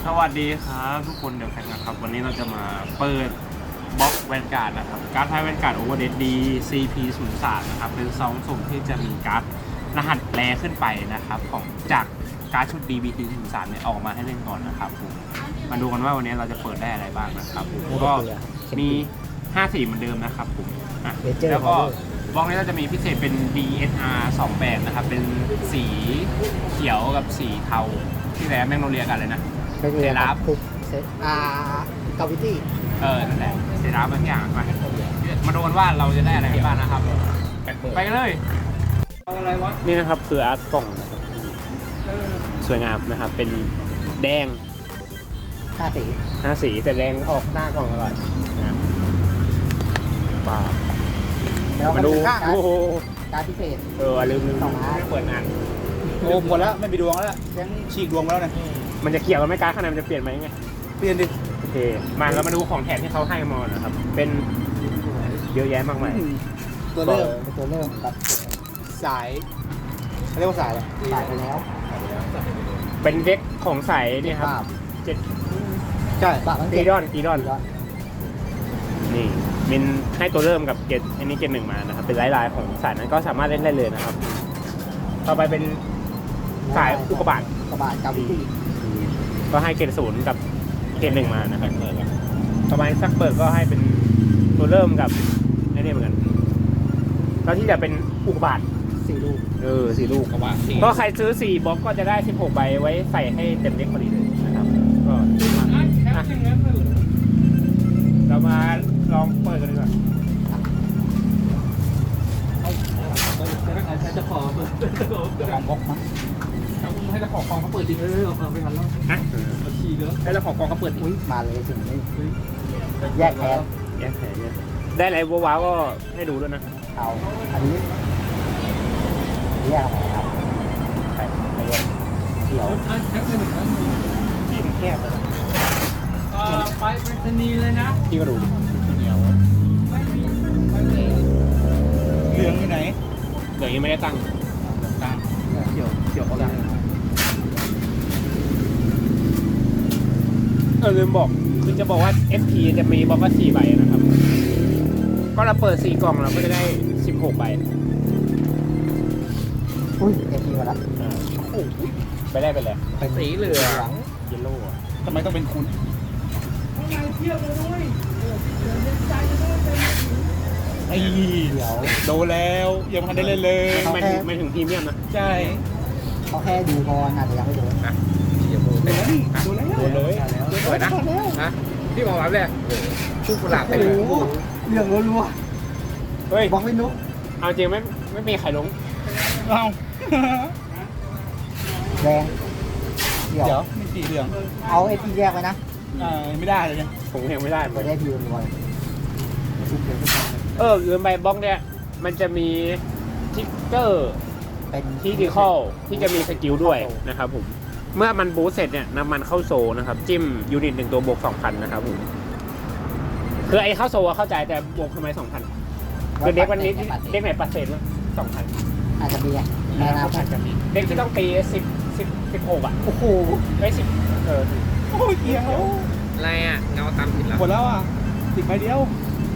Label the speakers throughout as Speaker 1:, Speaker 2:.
Speaker 1: สวัสดีครับทุกคนเดี๋ยวแข่งนะครับวันนี้เราจะมาเปิดบล็อกแวนการ์ดนะครับการ์ดไพ่แวนการ์ดโอเวอร์เดดดี CP03 นะครับเป็นซองสุ่มที่จะมีการ์ดรหัสแรขึ้นไปนะครับของจากการ์ดชุด DBT03 เนี่ยออกมาให้เล่นก่อนนะครับผมมาดูกันว่าวันนี้เราจะเปิดได้อะไรบ้างนะครับผมก็มี5สีเหมือนเดิมนะครับผมแล้วก็บล็อกนี้เราจะมีพิเศษเป็น DSR 2แบบนะครับเป็นสีเขียวกับสีเทาที่แล้วแมงโนเลียกันเลยนะเซราฟ
Speaker 2: กาวิตี้
Speaker 1: นั่นแหละเซราฟบางอย่างมาดูกันว่าเราจะได้อะไรกันบ้างนะครับไปกันเลยนี่นะครับคืออาร์ตกล่องนะครับสวยงามนะครับเป็นแดง5 สีแต่แดงออกหน้ากล่องอร่อยนะว้าวมาดูโอ้โห
Speaker 2: การพิเศษ
Speaker 1: ลืมเปิดงาน
Speaker 3: โอ้หมดแล้วไม่มีดวงแล้วยังฉีกดวงแล้วนะ
Speaker 1: มันจะเกี่ยวกับไม่การข้างในมันจะเปลี่ยนไหมไง
Speaker 3: เปลี่ยนดิ
Speaker 1: โอเคมาเรามาดูของแถมที่เขาให้มานะครับเป็นเยอะแยะมากมาย
Speaker 2: ตัวเริ่มกับ
Speaker 3: สายเรียกว่าสายอะไร
Speaker 2: สายไปแล้ว
Speaker 1: เป็นเด็กของใสนี่ครับ
Speaker 3: ใช่
Speaker 1: ตีดอนนี่มินให้ตัวเริ่มกับเกตอันนี้เกต1มานะครับเป็นลายของสายนั้นก็สามารถเล่นได้เลยนะครับต่อไปเป็นสายอุกกาบาต
Speaker 2: กาวิตี้
Speaker 1: ก็ให้เกต0กับเกต1มานะครับต่อไปซักเบิร์กก็ให้เป็นตัวเริ่มกับไอ้นี่เหมือนกันแล้วที่จะเป็นอุกกาบาต
Speaker 2: 4 ลูก
Speaker 1: 4 ลูกก็ใครซื้อ4บล็อกก็จะได้16ใบไว้ใส่ให้เต็มเด็กพอดีเลยนะครับก็เรามาลองเปิดกันดีกว่า
Speaker 3: จะขอเปิดของบล็อกมั้งให้เจ้าของกองเขาเปิดจริงไม่ทันแล้ว
Speaker 1: ฮะ
Speaker 3: ขี่เยอะให้เจ้าของกองเขาเปิด
Speaker 2: มาเลยถึงนี่แยกแพ้
Speaker 1: ได้อะไรว้าวก็ให้ดูด้วยนะ
Speaker 2: เอาอันนี้แยกอะไรครับเขียว
Speaker 1: สีแคบเลย
Speaker 3: ไปสนีเลยนะ
Speaker 1: พี่ก็ดูดิ
Speaker 3: เหลืองอยู่ไหน
Speaker 1: เหลืองยังไม่ได้ตั้ง
Speaker 3: เขียวเขาดัง
Speaker 1: ลืมบอกคือจะบอกว่า FP จะมีบล็อกก็4ใบนะครับก็เราเปิด4กล่องเราก็จะได้16ใบ
Speaker 2: อุ้ย FP มาแล้ว
Speaker 1: ไปได้ไปเลย
Speaker 2: เป็นสีเหลือง
Speaker 1: เยลโล่
Speaker 3: ทำไมต้องเป็นคุณไอ้เดี๋ยวโดนแล้วยังไม่ได้เล่นเลย
Speaker 1: ไม่ถึงพรีเมียมนะ
Speaker 3: ใช่
Speaker 2: เขาแค่ดูพออาจจะยังไม่โดน
Speaker 1: นะ
Speaker 3: โดนเลย
Speaker 1: สวยนะพี่มองรับเลยชื่อกุหลาบไปเลย
Speaker 2: เรื่องรัว
Speaker 1: เฮ้ย
Speaker 2: บอกไม่นุ๊ก
Speaker 1: เอาจริงไม่มีใครลง
Speaker 3: เอา
Speaker 2: แดง
Speaker 3: เดี๋ยวมีสีเหลือง
Speaker 2: เอาไอพีแยกไว้นะ
Speaker 3: ไม่ได้เลยเนี่ย
Speaker 1: ผมยังไม่ได้
Speaker 2: ไม่ได้พีรัว
Speaker 1: ลืมไปบล็อกเนี่ยมันจะมีทิกเกอร์
Speaker 2: เป็น
Speaker 1: ที่ดีคอลที่จะมีสกิลด้วยนะครับผมเมื่อมันบูสเสร็จเนี่ยนำมันเข้าโซนะครับจิ้มยูนิต1ตัวบวก 2,000 นะครับผมคือไอ้เข้าโซเข้าใจแต่บวกทำไม 2,000คือเด็กวันนี้เด็กไหนปัดเศษมั้ง 2,000
Speaker 2: อาจจะมี
Speaker 1: แม่อาจจะมีเด็กที่ต้องตี16อ่ะ
Speaker 2: โอ้โห
Speaker 1: ไม่10
Speaker 3: โอ้ยเกี่ยว
Speaker 1: อะไรอ่ะเงาตามผิดแล้ว
Speaker 3: หมดแล้วอ่ะ10ใบเดียว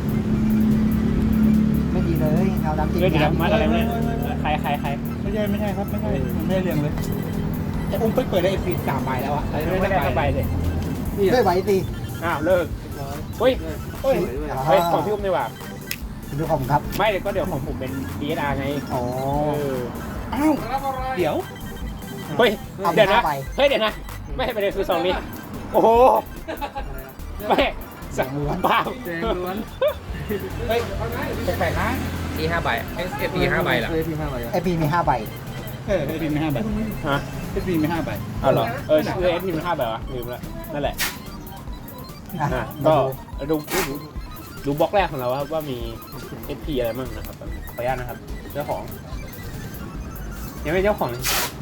Speaker 2: ไม่ดีเลยเงาดำจริง
Speaker 1: มาอะไรเนี่ยใคร
Speaker 3: ไม่ใช่ครับไม่ได้เรียงเลยแต่อุ้มเปิดได้ฟรี3ใบแล้วอ่ะ
Speaker 1: ไม่ได้ใบเลย
Speaker 2: ด้วยใบสิ
Speaker 1: เลิกเฮ้ยของพี่อุ้มดีกว่า
Speaker 2: ดูของครับ
Speaker 1: ไม่เลยก็เดี๋ยวของผมเป็น DSR ไง
Speaker 3: อ้าวเดี๋ยว
Speaker 1: เฮ้ยเดี๋ยวนะไม่ให้ไปเลยคือ2นี้โอ้โหไม่
Speaker 2: สั่งล้วน
Speaker 1: เปล่า
Speaker 3: เฮ้ยแปลกๆนะ
Speaker 1: ที่5ใบ FP 5ใบเหรอ
Speaker 2: FP มี5ใบ
Speaker 3: FP มี5ใบ
Speaker 1: ฮะ
Speaker 3: FP มี5ใบ
Speaker 1: เอาเหรอFP มี5ใบวะลืมแล้วนั่นแหละก็ดูบล็อกแรกของเราครับว่ามี FP อะไรบ้างนะครับขออนุญาตนะครับเจ้าของยังไม่เจ้าของ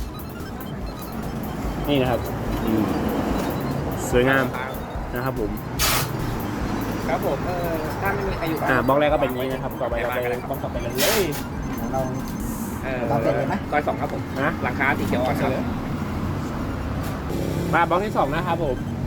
Speaker 1: นี่นะครับสวยงามนะครับผม
Speaker 3: ครับผมถ้าไม่มีใครอยู่
Speaker 1: บล็อกแรกก็เป็นนี้นะครับต่อไปเราไปบล็อกต่อไปกันเลย
Speaker 2: เราเสร็จเลยไหม
Speaker 3: ก้อย2ครับผม
Speaker 1: นะ
Speaker 3: ราคาที่เขียวอ่อนครับ
Speaker 1: มาบล็อกที่2นะครับผม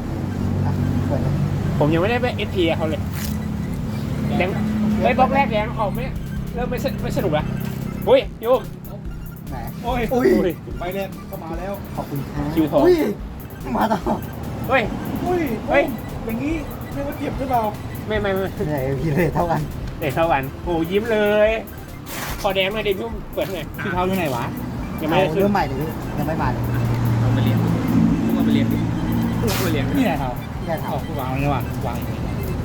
Speaker 2: เปิดเลย
Speaker 1: ผมยังไม่ได้ไปเอสพีเขาเลยแดงไอ้บล็อกแรกแดงออกเริ่มไม่สนุกละอุ้ยโยม
Speaker 2: ไหน
Speaker 3: โอ้ย
Speaker 2: อุ้ย
Speaker 3: ไปแรกก็มาแล้ว
Speaker 2: ขอบคุณครับ
Speaker 1: คิวทอง
Speaker 2: อุ้ยมาต่อ
Speaker 1: เฮ้ย
Speaker 3: อุ้ย
Speaker 1: เฮ้ย
Speaker 3: อย่างนี้เรียกว่าเจ็บหรือเปล่า
Speaker 1: ไม่
Speaker 2: ไหนพี่เลยเท่ากัน
Speaker 1: เด็กเท่ากันโอ้ยิ้มเลยพอแดงมาดิพี่เปิดไง
Speaker 3: พี่เท้าอยู่ไหนวะ
Speaker 1: ยังไม่ได้
Speaker 2: เอา
Speaker 1: ขึ้น
Speaker 2: เริ่มใหม่เลยพี่ยังไม่มาเลย
Speaker 4: เอาไปเลี้ยงเอาไปเลี้ยงดิเอาไปเลี้ยง
Speaker 3: นี่ไหนเท้า
Speaker 2: พี่ได้
Speaker 3: เอา
Speaker 2: ถาม
Speaker 3: กูวางเลยวางวางอย่างนี้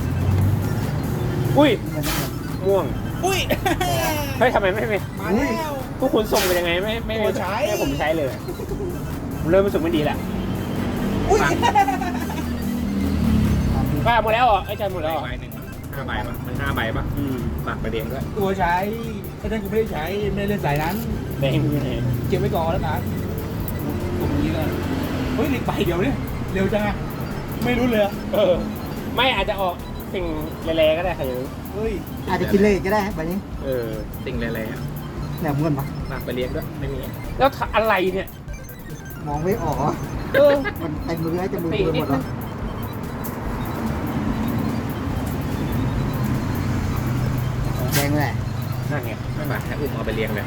Speaker 1: อุ้ย
Speaker 2: เงินเงิน
Speaker 1: ม่วง
Speaker 3: อุ้ย
Speaker 1: เฮ้ยทำไมไม่เป็น
Speaker 3: มาแล้ว
Speaker 1: พวกคุณส่งไปยังไงไม่
Speaker 3: โอ้ใช้
Speaker 1: ให้ผมใช้เลยผมเริ่มรู้สึกไม่ดีแล้ว
Speaker 3: อุ้ย
Speaker 1: ป้าหมดแล้วเหรอไอ้ใจหมดแล้วเหรอ
Speaker 4: ใบหนึ่ง5 ใบป่ะมัน5 ใบป่ะ
Speaker 1: อืม
Speaker 4: ฝากไปเลี้ยงด้วย
Speaker 3: ตัวใช้ถ้าท่านกูไม่ได้ใช้ไม่ได้เล่นสายนั้น
Speaker 1: แดงอยู่ไหน
Speaker 3: เก็บไว้ก่อนแล้วกันตรงนี้กันเฮ้ยเด็กไปเดี๋ยวเนี่ยเร็วจังอะไม่รู้เลยอะ
Speaker 1: ไม่อาจจะออกสิ่งแรงๆก็ได้ใครจะรู้
Speaker 3: เฮ้ย
Speaker 2: อาจจะกินเลยก็ได้ใบนี้
Speaker 4: สิ่งแรง
Speaker 2: แหลมเงินปะ
Speaker 4: ๆฝากไปเลี้ยงด้วยไม่มี
Speaker 1: แล้วอะไรเนี่ย
Speaker 2: มองไม่ออกอะ
Speaker 1: เออ
Speaker 2: มันเต็มมือให้จะมือ
Speaker 1: ตี
Speaker 2: ห
Speaker 1: นิ
Speaker 2: ม
Speaker 1: ด
Speaker 2: ด
Speaker 1: นึ
Speaker 2: แล้ว
Speaker 1: ง
Speaker 2: แดงเลย
Speaker 1: นั่นไง
Speaker 4: ไม่ฝากให้อุ้มเอาไปเลี้ยงเลย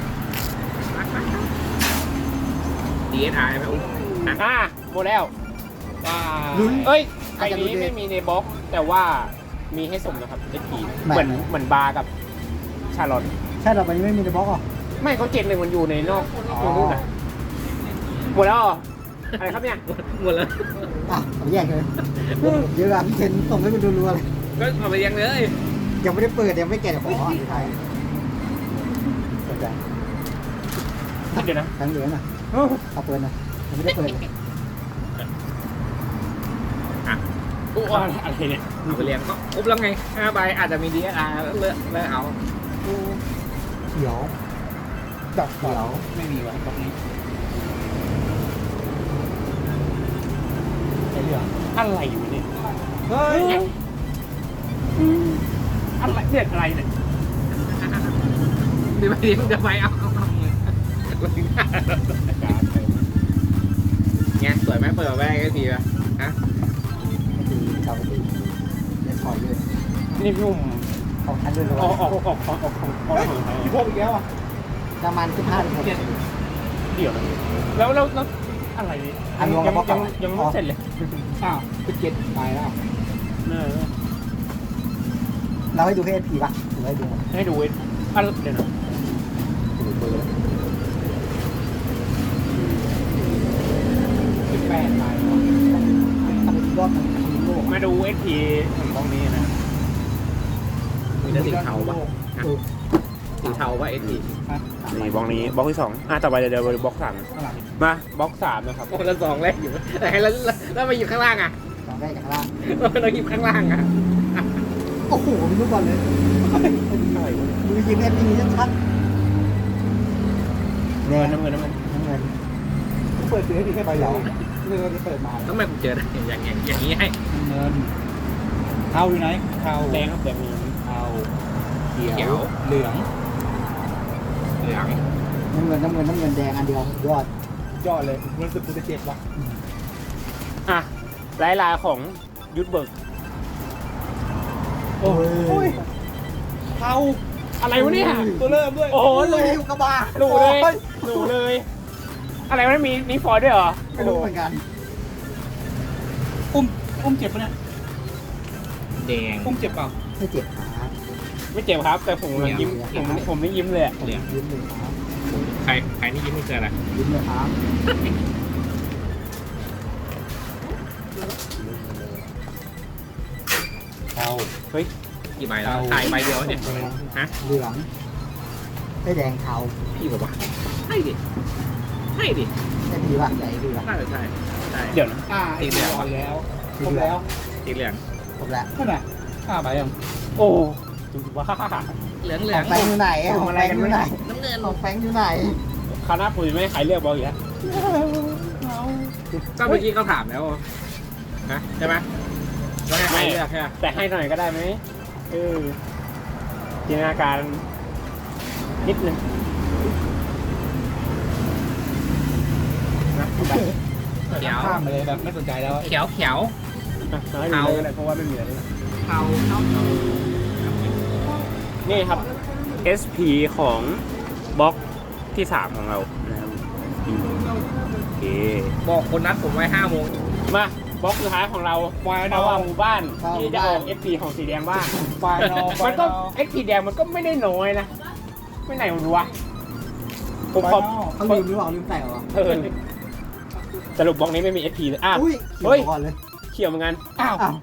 Speaker 4: DSR ไหมอุ้มนะ
Speaker 1: หมดแล้ว
Speaker 3: ว้า
Speaker 2: ลุ้น
Speaker 1: เอ้ยใบนี้ไม่มีในบล็อก แต่ว่ามีให้ส่งนะครับเอพีเหมือนบาร์กับชาลอต
Speaker 2: ใช่เราใบนี้ไม่มีในบล็อกเหรอ
Speaker 1: ไม่เขา7-1มันอยู่ในนอกนู่นน่ะหมดแล้วเหรออะไรครับเนี่ย
Speaker 4: หมดแล้ว
Speaker 2: อ่ะผมแยกเลยเดี๋ยวพี่เทนส่งให้มันรัวๆเลย
Speaker 4: ก็เอาไปเลี้ยงเลย
Speaker 2: ยังไม่ได้เปิดยังไม่แกะขออ่านไทยสนใจ
Speaker 1: เดี๋ยวนะ
Speaker 2: ทั้งเหลืองอ่ะเอาเปิดนะยังไม่ได้เปิดเลย
Speaker 1: อู้อะไรเนี่ย
Speaker 4: เอาไปเลี้ยงก็อุ้มแล้วไง5 ใบอาจจะมี DSR เลือกเอา
Speaker 2: เขียว
Speaker 3: ดอกเขียวไม่มีวะตรงนี้ไอ้เหลือง
Speaker 1: อะไรอยู่เนี่ย
Speaker 3: เฮ้ย
Speaker 1: อะไรเนี่ยอะไรเนี่ย
Speaker 4: ดีไปเลี้ยงจะไปเอาไงสวยไหมเปิดมาได้ก็ทีป่ะฮะ
Speaker 2: ไม่ตีชาวตีเล่นถอยเลย
Speaker 1: นี่พี่อุ้ม
Speaker 2: ของทันด้วย
Speaker 1: ออกของ
Speaker 3: เฮ้ยพี่พบอีกแล้วอ่ะ
Speaker 2: ประมาณ15-16
Speaker 1: เดี๋ยวนะแล้วอะไรเนี่ยยังไม่เสร็จเลย
Speaker 3: อ้าวเป็นเจ็ดไปแล้ว
Speaker 2: เราให้ดูให้พีป่ะหรือให้ดูหมด
Speaker 1: ให้ดูเดี๋ยวนะ
Speaker 2: ดูเบอร์
Speaker 3: เป็นแปดไปแล้ว
Speaker 2: ทำเป็นยอดของโลก
Speaker 1: มาดูเอสพีของตรงนี้นะ
Speaker 4: มีแต่สีเทาป่ะสีเทาป่ะ SD
Speaker 1: นี่บล็อกนี้บล็อกที่2ต่อไปเดี๋ยวบล็อก3
Speaker 3: ข้างหลัง
Speaker 1: มาบล็อก3นะครับ
Speaker 4: โอ้แล้ว2 แรกอยู่แล้วมาหยิบข้างล่างอ่ะ
Speaker 2: สองได้จากล่าง
Speaker 4: เราหยิบข้างล่างอ่ะ
Speaker 2: โอ้โหมีลูกบอลเลย
Speaker 1: อะไรวะ
Speaker 2: มือยิงเอ็มพีชัด
Speaker 1: เงินน้ำเงิน
Speaker 2: น้ำเงิน
Speaker 3: เปิดซื้อที่แค่ใบเดียวเรือที่เปิดมา
Speaker 4: ต้องมาเจอได้อย่างนี้ให้
Speaker 3: เงินเทาอยู่ไหนเทา
Speaker 1: แดงครับแดงมี
Speaker 3: เทาเขียวเหลือง
Speaker 4: เหลือง
Speaker 2: น้ำเงินแดงอันเดียวยอด
Speaker 3: ยอดเลยรู้สึกกูจะเจ็บว่ะ
Speaker 1: ลายของยุทธเบิร์ก
Speaker 3: โอ้ยเทา
Speaker 1: อะไรวะเนี่ย
Speaker 3: ตัวเริ่มด้วย
Speaker 1: โอ้โห
Speaker 2: เล
Speaker 1: รู
Speaker 2: ยกระบะ
Speaker 1: รูเลย อะไรวะมีฟอยล์ด้วยเหรอ
Speaker 2: ไม่รู้เหมือนกัน
Speaker 3: อุ้มเจ็บปะเนี่ย
Speaker 4: แดง
Speaker 3: อุ้มเจ็บเปล่า
Speaker 2: ไม่เจ็บขา
Speaker 1: ไม่เจ็บครับ แต่ผมยิ้มผมไม่ยิ้มเลย
Speaker 4: เหลือง
Speaker 2: ยิ้มเลยครับ
Speaker 4: ใครนี่ยิ้มไม่เจออะไร
Speaker 2: ยิ้มเลยครับ
Speaker 3: เทา
Speaker 1: เฮ้ย
Speaker 4: กี่ใบแล้วถ่ายใบเดียวเนี่ยฮะ
Speaker 2: เหลืองไม่แดงเทา
Speaker 4: พี่บอกว่าให้ดิให้ดิ
Speaker 2: ได้พีป่ะใหญ่พีป่ะ
Speaker 4: น่าจะใช่ใช่
Speaker 1: เดี๋ยวนะ
Speaker 3: ไอ้เหลืองแล้วครบแล้ว
Speaker 4: สีเหลือง
Speaker 2: ครบแล้ว
Speaker 3: นั่นน่ะ5ใบยัง
Speaker 1: โอ้จุ๊บว่า
Speaker 4: เหลือง
Speaker 2: ของแฟงอยู่ไหนของแฟงอยู่ไหน
Speaker 4: น้ำเงิน
Speaker 2: ของแฟงอยู่ไหน
Speaker 1: คณะปุ๋ยไม่ให้ใครเลือกบอลอีกแล้ว
Speaker 4: ก็เมื่อกี้เขาถามแล้วนะใช่ไหมว่าให้ใครเลือกใช่ไหม
Speaker 1: แต่ให้หน่อยก็ได้ไหมจินตนาการนิดนึงนะ
Speaker 4: เขียว
Speaker 3: ข้ามไปเลยแบบไม่สนใจแล้ว
Speaker 4: เขียว
Speaker 1: มาให้ดูเลยก็ได้เพราะว่าไม่มีอะไรเลย
Speaker 4: เทาเท่า
Speaker 1: นี่ครับ SP ของบล็อกที่ 3 ของเรานะครับโอเค
Speaker 4: บอกคนนัดผมไว้5 โมง
Speaker 1: มาบล็อกสุดท้ายของเรา
Speaker 3: ไฟน
Speaker 1: เรา
Speaker 3: อล
Speaker 1: ว่าหมู่บ้านที่จะออก SP ของสีแดงบ้าง
Speaker 3: ไฟนอล
Speaker 1: มันก็ SP แดงมันก็ไม่ได้น้อยนะ ไม่ไหนมันรู้วะผมขอ
Speaker 2: เขาลืมหรือเปล่าลืมใส่เหรอ
Speaker 1: สรุปบล็อกนี้ไม่มี SP เลยอ่ะ
Speaker 2: อุ้ย
Speaker 1: เฮ้ย
Speaker 2: ก่อนเลย
Speaker 1: เขียวเหมือนกัน
Speaker 3: อ้าว
Speaker 2: อ้าว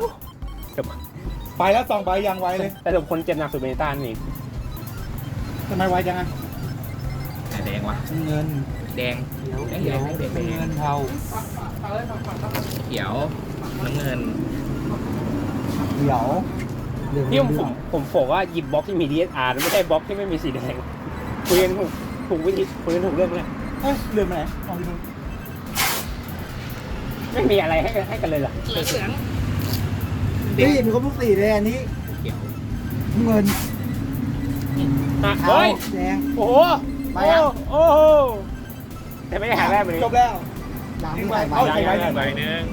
Speaker 3: ไปแล้ว2 ใบยังไวเลย
Speaker 1: แต่สรุปคนเจ็บหนักสุดเป็นต้านนี่
Speaker 3: ทำไมไวจังอ่ะ
Speaker 4: แดงวะ
Speaker 3: เงิน
Speaker 4: แดง
Speaker 2: เดี๋ยว
Speaker 4: แดง
Speaker 2: เดี๋ยว
Speaker 4: แดง
Speaker 3: เงินเทา
Speaker 4: เขียวน้ำเงิน
Speaker 2: เดี๋ยวเดี๋ยว
Speaker 1: ที่ผมบอกว่าหยิบบล็อกที่มี DSR ไม่ใช่บล็อกที่ไม่มีสีแดงคุยกันถูกวิธีคุยกันถูกเรื่องเลย
Speaker 3: เฮ้ยลืมไปไหนมองที่ดู
Speaker 1: ไม่มีอะไรให้กันเลยเหรอ
Speaker 4: เหลือง
Speaker 2: นี่มีครบทุกสีเลยอันนี้
Speaker 4: เขียว
Speaker 2: เงิน
Speaker 1: อ่ะ
Speaker 2: เทา
Speaker 1: เฮ้ย
Speaker 2: แดง
Speaker 1: โอ้โห
Speaker 2: ไปอ่ะ
Speaker 1: โอ้โหแต่ไม่ได้หาแรกเลย
Speaker 3: จบแล้ว
Speaker 2: หลังที่ใส่
Speaker 3: เอา
Speaker 2: ใบ
Speaker 3: อีกใบ
Speaker 1: ใบหนึ่ง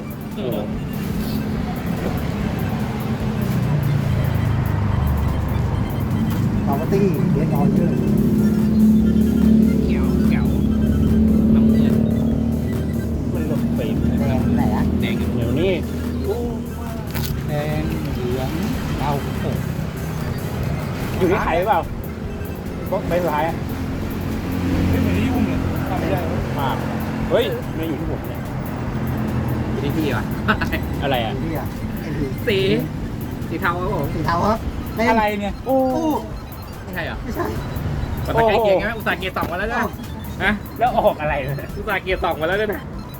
Speaker 2: ปาร์ตี้เดนออเดอร์
Speaker 4: เขียวเขียวน้ำเงิน
Speaker 1: มันหลบไป
Speaker 2: แดงไหนอ่ะ
Speaker 4: แดง
Speaker 1: เดี๋ยวนี้
Speaker 3: แดงเหลืองเทาโอ้
Speaker 1: อยู่ที่ใครหรือเปล่าบล็อกใบสุดท้ายอ่ะ
Speaker 3: ไม่เหมือนที่ยุ่งเลยทำไม่ได้
Speaker 1: มากเฮ้ยไม่อยู่ที่ผมเนี่ย
Speaker 4: อยู่ที่พี่วะ
Speaker 1: อะไรอ่ะ
Speaker 2: นี่อ่ะไอ้พี่
Speaker 4: สีเทาครับผม
Speaker 2: สีเทาครับเป็น
Speaker 3: อะไรเนี่ย
Speaker 1: โอ้
Speaker 2: ตู้
Speaker 4: ไม่ใช่เหรอ
Speaker 2: ไม่ใช่
Speaker 4: มันตะไคร้เกียร์ไงอุตส่าห์เกียร์2มาแล้วนะนะ
Speaker 1: แล้วออกอะไรเนี่ย
Speaker 4: อุตส่าห์เกียร์2มาแล้วด้วยนะ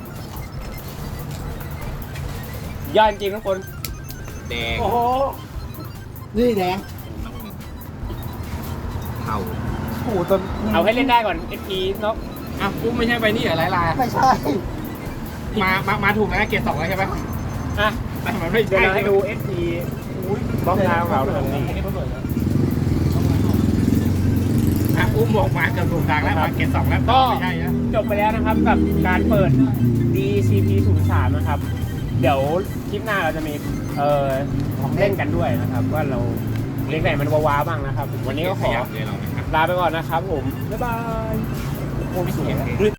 Speaker 1: ยอดจริงทุกคน
Speaker 4: แดง
Speaker 1: โอ้โห
Speaker 2: นี่แดง
Speaker 4: น้ำเงินเทา
Speaker 3: โอ้โหตอน
Speaker 1: เอาให้เล่นได้ก่อน SP นก
Speaker 4: อ่ะปุ๊บไม่ใช่ไปนี่เหรอไลลา
Speaker 2: ไม่ใช่
Speaker 4: มาถูกแล้วเกียร์2แล้วใช่ไหม
Speaker 1: อ่ะ
Speaker 4: แต่มันไม่
Speaker 1: เดี๋ยว
Speaker 4: ใช่
Speaker 1: เราให้ดู SP บล็อกดาวของเราตรงนี้
Speaker 4: อ่ะอุ้มบอกมาเกือบถูกทางแล้วมาเกียร์2แล้ว
Speaker 1: ก็
Speaker 4: ไม่ใช่นะ
Speaker 1: จบไปแล้วนะครับกับการเปิด DCP 03นะครับ เดี๋ยวคลิปหน้าเราจะมีของเล่นกันด้วยนะครับ ว่าเราเล่นไหนมันว้าวๆบ้างนะครับ วันนี้ก็ขอ
Speaker 4: เลยเรานะครับ
Speaker 1: ลาไปก่อนนะครับผม บ๊ายบาย
Speaker 4: โอ้ไม่สวย